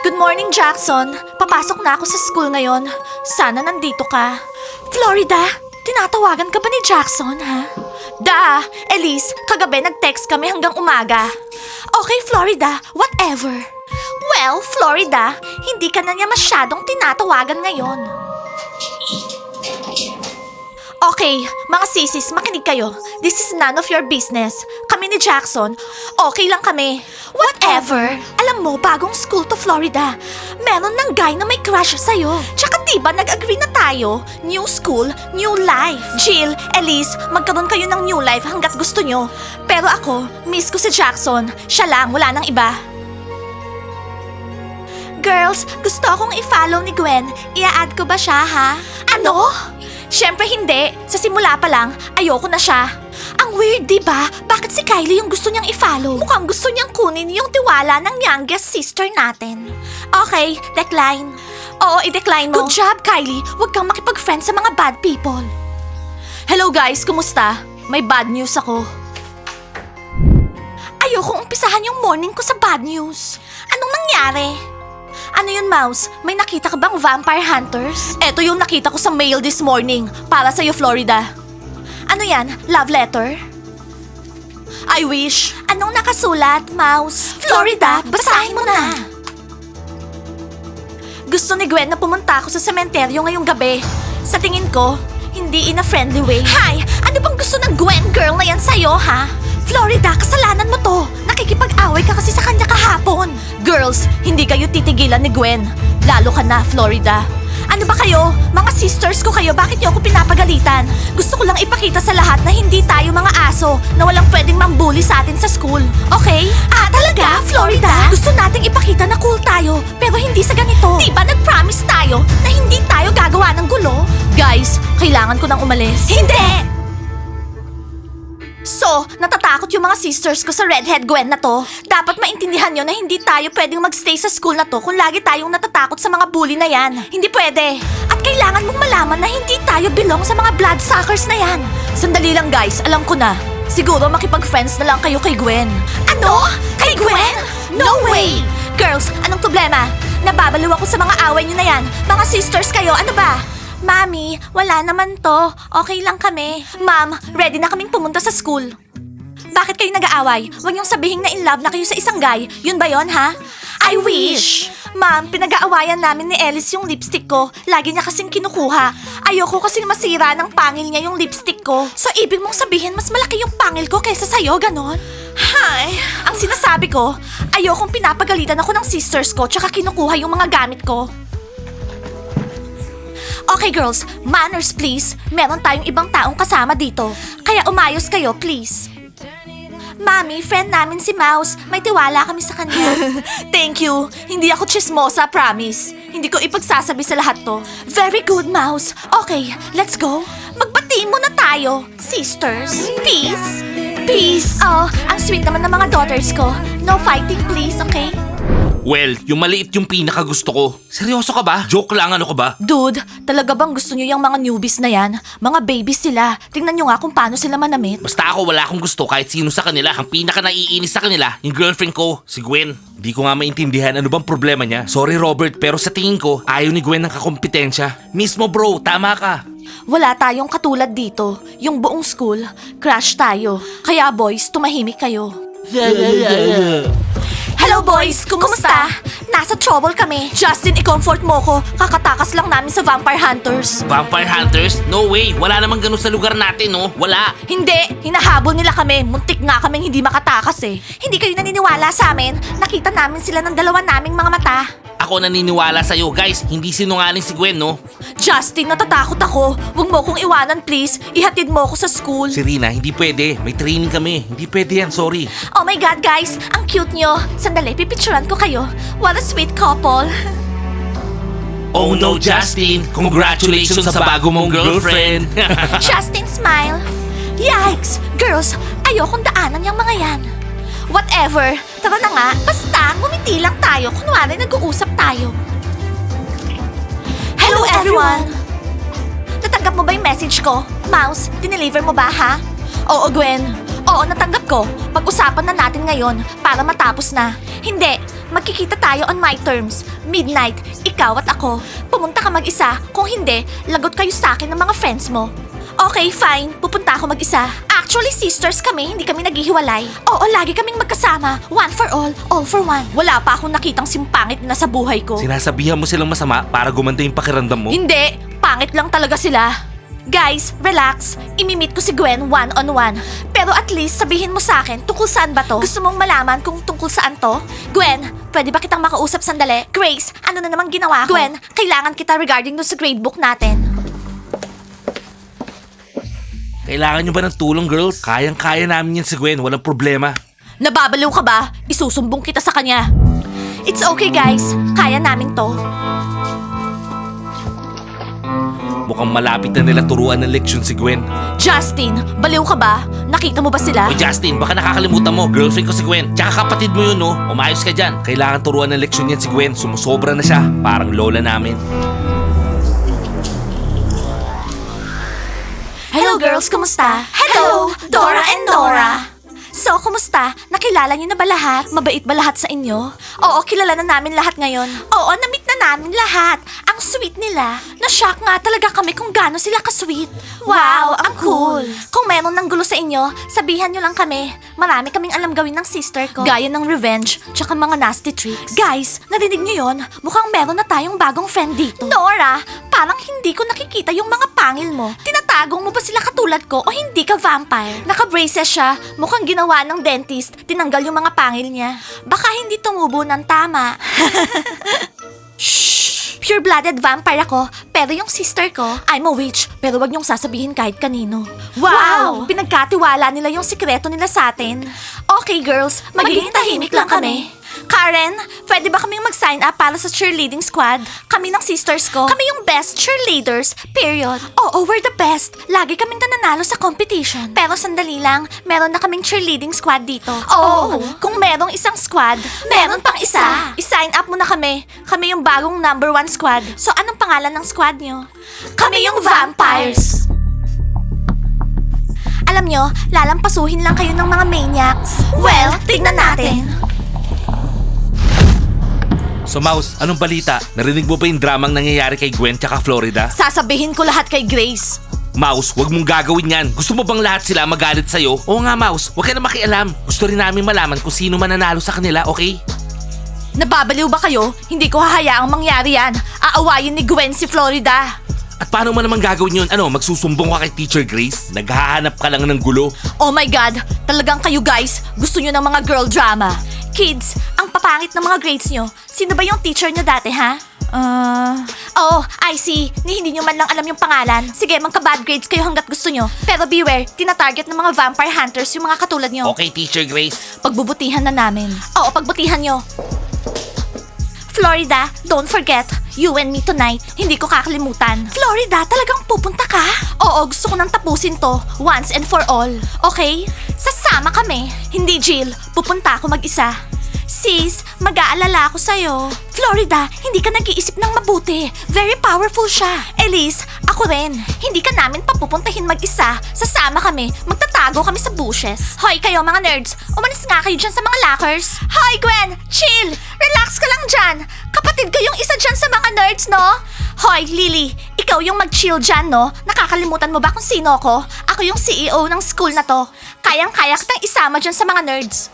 Good morning, Jackson. Papasok na ako sa school ngayon. Sana nandito ka. Florida, tinatawagan ka ba ni Jackson, ha? Elise, kagabi nag-text kami hanggang umaga. Okay, Florida, whatever. Well, Florida, hindi ka na niya masyadong tinatawagan ngayon. Okay, mga sisis, makinig kayo. This is none of your business. Kami ni Jackson, okay lang kami. Whatever. Alam mo, bagong school to Florida. Meron ng guy na may crush sa'yo. Tsaka diba nag-agree na tayo? New school, new life. Jill, Elise, magkaroon kayo ng new life hanggat gusto nyo. Pero ako, miss ko si Jackson. Siya lang, wala nang iba. Girls, gusto akong i-follow ni Gwen. Ia-add ko ba siya, ha? Ano? Siyempre hindi. Sa simula pa lang, ayoko na siya. Ang weird, di ba? Bakit si Kylie yung gusto niyang i-follow? Mukhang gusto niyang kunin yung tiwala ng youngest sister natin. Okay, decline. Oo, i-decline mo. Good job, Kylie. Huwag kang makipag-friend sa mga bad people. Hello guys, kumusta? May bad news ako. Ayokong umpisahan yung morning ko sa bad news. Anong nangyari? Ano yun, Mouse? May nakita ka bang vampire hunters? Eto yung nakita ko sa mail this morning. Para sa'yo, Florida. Ano yan? Love letter? I wish. Anong nakasulat, Mouse? Florida, basahin mo na. Gusto ni Gwen na pumunta ako sa sementeryo ngayong gabi. Sa tingin ko, hindi in a friendly way. Hi! Ano bang gusto ng Gwen girl na yan sa'yo, ha? Florida, kasalanan mo to. Nakikipag-away ka kasi sa kanya kahapon. Girls, hindi kayo titigilan ni Gwen. Lalo ka na, Florida. Ano ba kayo? Mga sisters ko kayo, bakit niyo ako pinapagalitan? Gusto ko lang ipakita sa lahat na hindi tayo mga aso na walang pwedeng mambully sa atin sa school. Okay? Talaga, Florida? Gusto nating ipakita na cool tayo, pero hindi sa ganito. Di ba nag-promise tayo na hindi tayo gagawa ng gulo? Guys, kailangan ko nang umalis. Hindi! So, natatakot yung mga sisters ko sa redhead Gwen na to. Dapat maintindihan nyo na hindi tayo pwedeng magstay sa school na to kung lagi tayong natatakot sa mga bully na yan. Hindi pwede. At kailangan mong malaman na hindi tayo belong sa mga bloodsuckers na yan. Sandali lang guys, alam ko na. Siguro makipag-friends na lang kayo kay Gwen. Ano? Kay Gwen? No way! Girls, anong problema? Nababaliw ako sa mga away nyo na yan. Mga sisters kayo, ano ba? Mami, wala naman to. Okay lang kami. Ma'am, ready na kaming pumunta sa school. Bakit kayo nag-aaway? Huwag niyong sabihin na in love na kayo sa isang guy. Yun ba yon, ha? I wish! Ma'am, pinag-aawayan namin ni Ellis yung lipstick ko. Lagi niya kasing kinukuha. Ayoko kasing masira ng pangil niya yung lipstick ko. So, ibig mong sabihin mas malaki yung pangil ko kaysa sa'yo, ganon? Hay, ang sinasabi ko, ayokong pinapagalitan ako ng sisters ko tsaka kinukuha yung mga gamit ko. Okay girls, manners please. Meron tayong ibang taong kasama dito. Kaya umayos kayo, please. Mami, friend namin si Mouse. May tiwala kami sa kanya. Thank you. Hindi ako chismosa, promise. Hindi ko ipagsasabi sa lahat to. Very good, Mouse. Okay, let's go. Magbati muna tayo, sisters. Peace. Peace. Oh, ang sweet naman ng mga daughters ko. No fighting, please, okay? Well, yung maliit yung pinakagusto ko. Seryoso ka ba? Joke lang, ano ka ba? Dude, talaga bang gusto nyo yung mga newbies na yan? Mga babies sila. Tingnan nyo nga kung paano sila manamit. Basta ako wala akong gusto kahit sino sa kanila. Ang pinaka naiinis sa kanila, yung girlfriend ko, si Gwen. Hindi ko nga maintindihan ano bang problema niya. Sorry Robert, pero sa tingin ko, ayaw ni Gwen ng kakompetensya. Mismo bro, tama ka. Wala tayong katulad dito. Yung buong school, crush tayo. Kaya boys, tumahimik kayo. Hello boys! Kumusta? Nasa trouble kami. Justin, i-comfort mo ko. Kakatakas lang namin sa vampire hunters. Vampire Hunters? No way, wala namang ganun sa lugar natin, no? Wala. Hindi! Hinahabol nila kami. Muntik nga kaming hindi makatakas eh. Hindi kayo naniniwala sa amin. Nakita namin sila ng dalawa naming mga mata. Ako naniniwala sa'yo, guys. Hindi sinungaling si Gwen, no? Justin, natatakot ako. Huwag mo kong iwanan, please. Ihatid mo ako sa school. Serena, hindi pwede. May training kami. Hindi pwede yan, sorry. Oh my God, guys! Ang cute nyo. Sandali, pipicturan ko kayo. What a sweet couple. Oh no, Justin! Congratulations sa bago mong girlfriend! Justin, smile. Yikes! Girls, ayokong daanan yung mga yan. Whatever. Tara na nga. Basta, ngumiti lang tayo. Kunwari, nag-uusap tayo. Hello, everyone! Natanggap mo ba yung message ko? Mouse, dineliver mo ba, ha? Oo, Gwen. Oo, natanggap ko. Pag-usapan na natin ngayon para matapos na. Hindi, magkikita tayo on my terms. Midnight, ikaw at ako. Pumunta ka mag-isa. Kung hindi, lagot kayo sa akin ng mga friends mo. Okay, fine. Pupunta ako mag-isa. Actually, sisters kami, hindi kami naghihiwalay. Oo, lagi kaming magkasama. One for all for one. Wala pa akong nakitang simpangit na sa buhay ko. Sinasabihan mo silang masama para gumanda yung pakiramdam mo? Hindi, pangit lang talaga sila. Guys, relax. Imimit ko si Gwen one-on-one. Pero at least sabihin mo sa akin tungkol saan ba to? Gusto mong malaman kung tungkol saan to? Gwen, pwede ba kitang makausap sandali? Grace, ano na namang ginawa ko? Gwen, kailangan kita regarding dun sa gradebook natin. Kailangan nyo ba ng tulong, girls? Kayang-kaya namin yan si Gwen, walang problema. Nababaliw ka ba? Isusumbong kita sa kanya. It's okay guys, kaya namin to. Mukhang malapit na nila turuan ng leksyon si Gwen. Justin, baliw ka ba? Nakita mo ba sila? O Justin, baka nakakalimutan mo, girlfriend ko si Gwen. Tsaka kapatid mo yun, no? Umayos ka dyan. Kailangan turuan ng leksyon yan si Gwen. Sumusobra na siya. Parang lola namin. Hello girls, kumusta? Hello, Dora and Nora. So, kumusta? Nakilala niyo na ba lahat? Mabait ba lahat sa inyo? Oo, kilala na namin lahat ngayon. Oo, na-meet na namin lahat. Ang sweet nila. Na-shock nga talaga kami kung gaano sila ka-sweet. Wow, ang cool. Kung meron ng gulo sa inyo, sabihan niyo lang kami. Marami kaming alam gawin ng sister ko. Gaya ng revenge, tsaka mga nasty tricks. Guys, narinig niyo yon? Mukhang meron na tayong bagong friend dito. Nora, parang hindi ko nakikita yung mga pangil mo. Tinatagong mo ba sila katulad ko o hindi ka vampire? Naka-braces siya, mukhang ginawa ng dentist, tinanggal yung mga pangil niya. Baka hindi tumubo ng tama. Shh! Pure-blooded vampire ako, pero yung sister ko, I'm a witch, pero wag niyong sasabihin kahit kanino. Wow! Pinagkatiwala nila yung sikreto nila sa atin. Okay girls, magiging tahimik lang kami. Karen, pwede ba kaming mag-sign up para sa cheerleading squad? Kami ng sisters ko. Kami yung best cheerleaders, period. Oo, we're the best. Lagi kaming nananalo sa competition. Pero sandali lang, meron na kaming cheerleading squad dito. Oo, kung merong isang squad, meron pang isa. I-sign up mo na kami. Kami yung bagong #1 squad. So anong pangalan ng squad nyo? Kami yung vampires. Alam nyo, lalampasuhin lang kayo ng mga maniacs. Well, tignan natin. So Mouse, anong balita? Narinig mo ba yung dramang nangyayari kay Gwen tsaka Florida? Sasabihin ko lahat kay Grace. Mouse, wag mong gagawin yan. Gusto mo bang lahat sila magalit sa'yo? Oo nga, Mouse. Wag ka na makialam. Gusto rin namin malaman kung sino mananalo sa kanila, okay? Nababaliw ba kayo? Hindi ko hahayaang mangyari yan. Aawayin ni Gwen si Florida. At paano mo naman gagawin yun? Ano, magsusumbong ka kay Teacher Grace? Naghahanap ka lang ng gulo? Oh my God, talagang kayo guys, gusto nyo ng mga girl drama. Kids, ang papangit ng mga grades nyo. Sino ba yung teacher nyo dati, ha? Oh, I see. Hindi nyo man lang alam yung pangalan. Sige, magka-bad grades kayo hanggat gusto nyo. Pero beware, tinatarget ng mga vampire hunters yung mga katulad nyo. Okay, Teacher Grace. Pagbubutihan na namin. Oo, pagbutihan nyo. Florida, don't forget, you and me tonight. Hindi ko kakalimutan. Florida, talagang pupunta ka? Oo, gusto ko nang tapusin to, once and for all. Okay? Sasama kami. Hindi, Jill. Pupunta ako mag-isa. Sis, mag-aalala ako sa'yo. Florida, hindi ka nag-iisip ng mabuti. Very powerful siya. Elise, ako rin. Hindi ka namin papupuntahin mag-isa. Sasama kami. Magtatago kami sa bushes. Hoy kayo mga nerds, umalis nga kayo dyan sa mga lockers. Hoy Gwen, chill. Relax ka lang dyan. Kapatid ko yung isa dyan sa mga nerds, no? Hoy, Lily, ikaw yung mag-chill dyan, no? Nakakalimutan mo ba kung sino ako? Ako yung CEO ng school na to. Kayang-kaya kitang isama dyan sa mga nerds.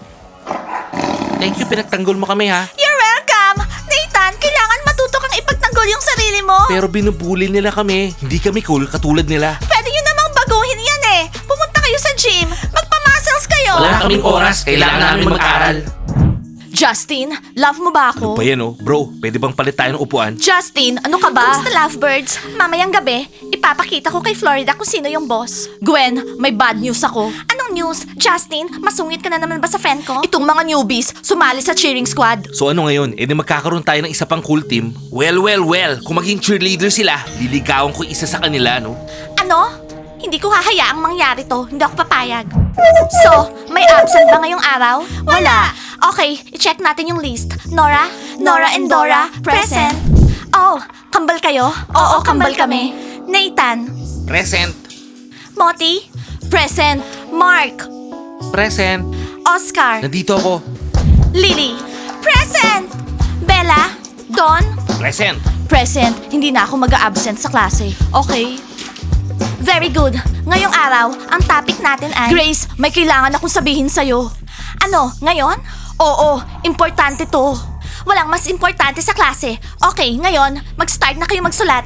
Thank you, pinagtanggol mo kami ha. You're welcome! Nathan, kailangan matuto kang ipagtanggol yung sarili mo. Pero binubuli nila kami. Hindi kami cool katulad nila. Pwede nyo namang baguhin yan eh. Pumunta kayo sa gym. Magpa-muscles kayo. Wala kaming oras. Kailangan namin mag-aral. Justin, love mo ba ako? Ano ba yan oh? Bro, pwede bang palit tayo ng upuan? Justin, ano ka ba? Kumusta lovebirds? Mamayang gabi, ipapakita ko kay Florida kung sino yung boss. Gwen, may bad news ako. Anong news? Justin, masungit ka na naman ba sa friend ko? Itong mga newbies, sumali sa cheering squad. So ano ngayon? Eh di magkakaroon tayo ng isa pang cool team? Well, kung maging cheerleader sila, liligawan ko isa sa kanila, no? Ano? Hindi ko hahayaang mangyari to. Hindi ako papayag. So, may absent ba ngayong araw? Wala. Okay, i-check natin yung list. Nora and Dora, present. Oh, kambal kayo? Oo, kambal kami. Nathan, Present. Moti, present. Mark, Present. Oscar, Nandito ako. Lily, Present! Bella? Don? Present. Present. Hindi na ako mag-a-absent sa klase. Okay? Very good. Ngayong araw, ang topic natin ay... Grace, may kailangan akong sabihin sa'yo. Ano, ngayon? Oo, importante to. Walang mas importante sa klase. Okay, ngayon, mag-start na kayo magsulat.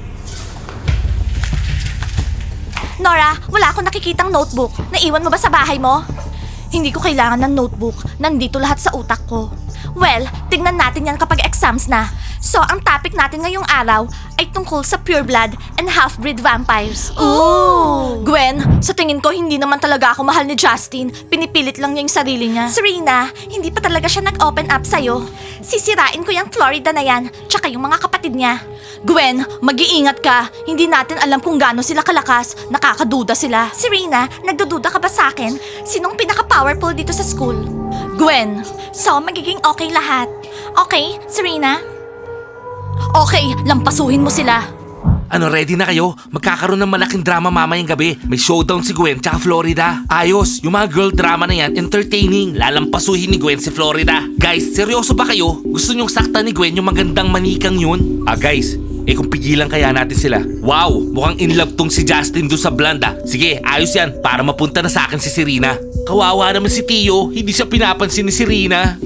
Nora, wala akong nakikitang notebook. Naiwan mo ba sa bahay mo? Hindi ko kailangan ng notebook. Nandito lahat sa utak ko. Well, tignan natin yan kapag exams na. So, ang topic natin ngayong araw ay tungkol sa pureblood and half-breed vampires. Ooh! Gwen, sa tingin ko hindi naman talaga ako mahal ni Justin. Pinipilit lang niya yung sarili niya. Serena, hindi pa talaga siya nag-open up sa'yo. Sisirain ko yung Florida na yan, tsaka yung mga kapatid niya. Gwen, mag-iingat ka. Hindi natin alam kung gaano sila kalakas. Nakakaduda sila. Serena, nagdududa ka ba sa akin? Sinong pinaka-powerful dito sa school? Gwen, so magiging okay lahat. Okay, Serena? Okay, lampasuhin mo sila. Ano, ready na kayo? Magkakaroon ng malaking drama mamayang gabi. May showdown si Gwen tsaka Florida. Ayos, yung mga girl drama na yan, entertaining. Lalampasuhin ni Gwen si Florida. Guys, seryoso ba kayo? Gusto nyong sakta ni Gwen yung magandang manikang yun? Guys, kung pigilan kaya natin sila. Wow, mukhang in love tong si Justin doon sa blonde. Sige, ayos yan, para mapunta na sa akin si Serena. Kawawa naman si Tio, hindi siya pinapansin ni Serena.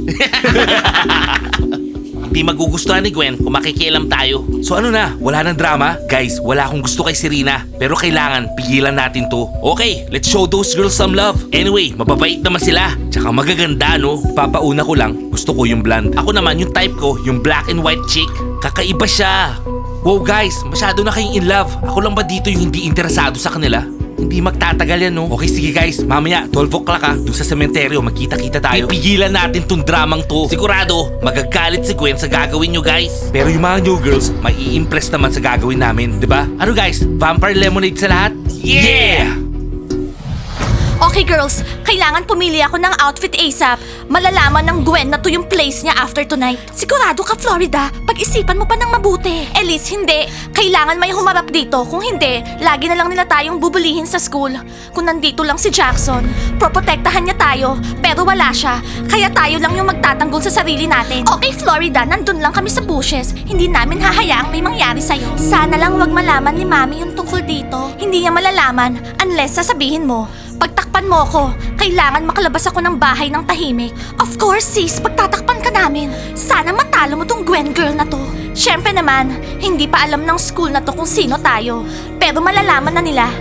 Hindi magugustuhan ni Gwen kung makikialam tayo. So ano na, wala nang drama? Guys, wala akong gusto kay Serena. Pero kailangan, pigilan natin to. Okay, let's show those girls some love. Anyway, mababait naman sila. Tsaka magaganda, no? Papauna ko lang, gusto ko yung blonde. Ako naman, yung type ko, yung black and white chick. Kakaiba siya. Wow guys, masyado na kayong in love. Ako lang ba dito yung hindi interesado sa kanila? Hindi magtatagal yan, no? Okay, sige guys. Mamaya, 12 o'clock doon sa sementeryo, magkita-kita tayo. Pipigilan natin tong dramang to. Sigurado, magagalit si Gwen sa gagawin nyo, guys. Pero yung mga new girls, may i-impress naman sa gagawin namin, di ba? Ano guys, vampire lemonade sa lahat? Yeah! Okay girls, kailangan pumili ako ng outfit ASAP. Malalaman ng Gwen na to yung place niya after tonight. Sigurado ka, Florida. Pag-isipan mo pa ng mabuti. Elise, hindi. Kailangan may humarap dito. Kung hindi, lagi na lang nila tayong bubulihin sa school. Kung nandito lang si Jackson, proprotektahan niya tayo. Pero wala siya. Kaya tayo lang yung magtatanggol sa sarili natin. Okay, Florida, nandun lang kami sa bushes. Hindi namin hahayaang may mangyari sa'yo. Sana lang wag malaman ni Mami yung tungkol dito. Hindi niya malalaman unless sasabihin mo. Pagtakpan mo ako, kailangan makalabas ako ng bahay ng tahimik. Of course, sis, pagtatakpan ka namin. Sana matalo mo tong Gwen girl na to. Siyempre naman, hindi pa alam ng school na to kung sino tayo. Pero malalaman na nila.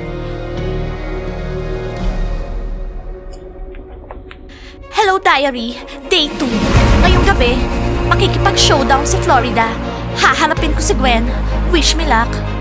Hello, Diary. Day 2. Ngayong gabi, makikipag-showdown si Florida. Haharapin ko si Gwen. Wish me luck.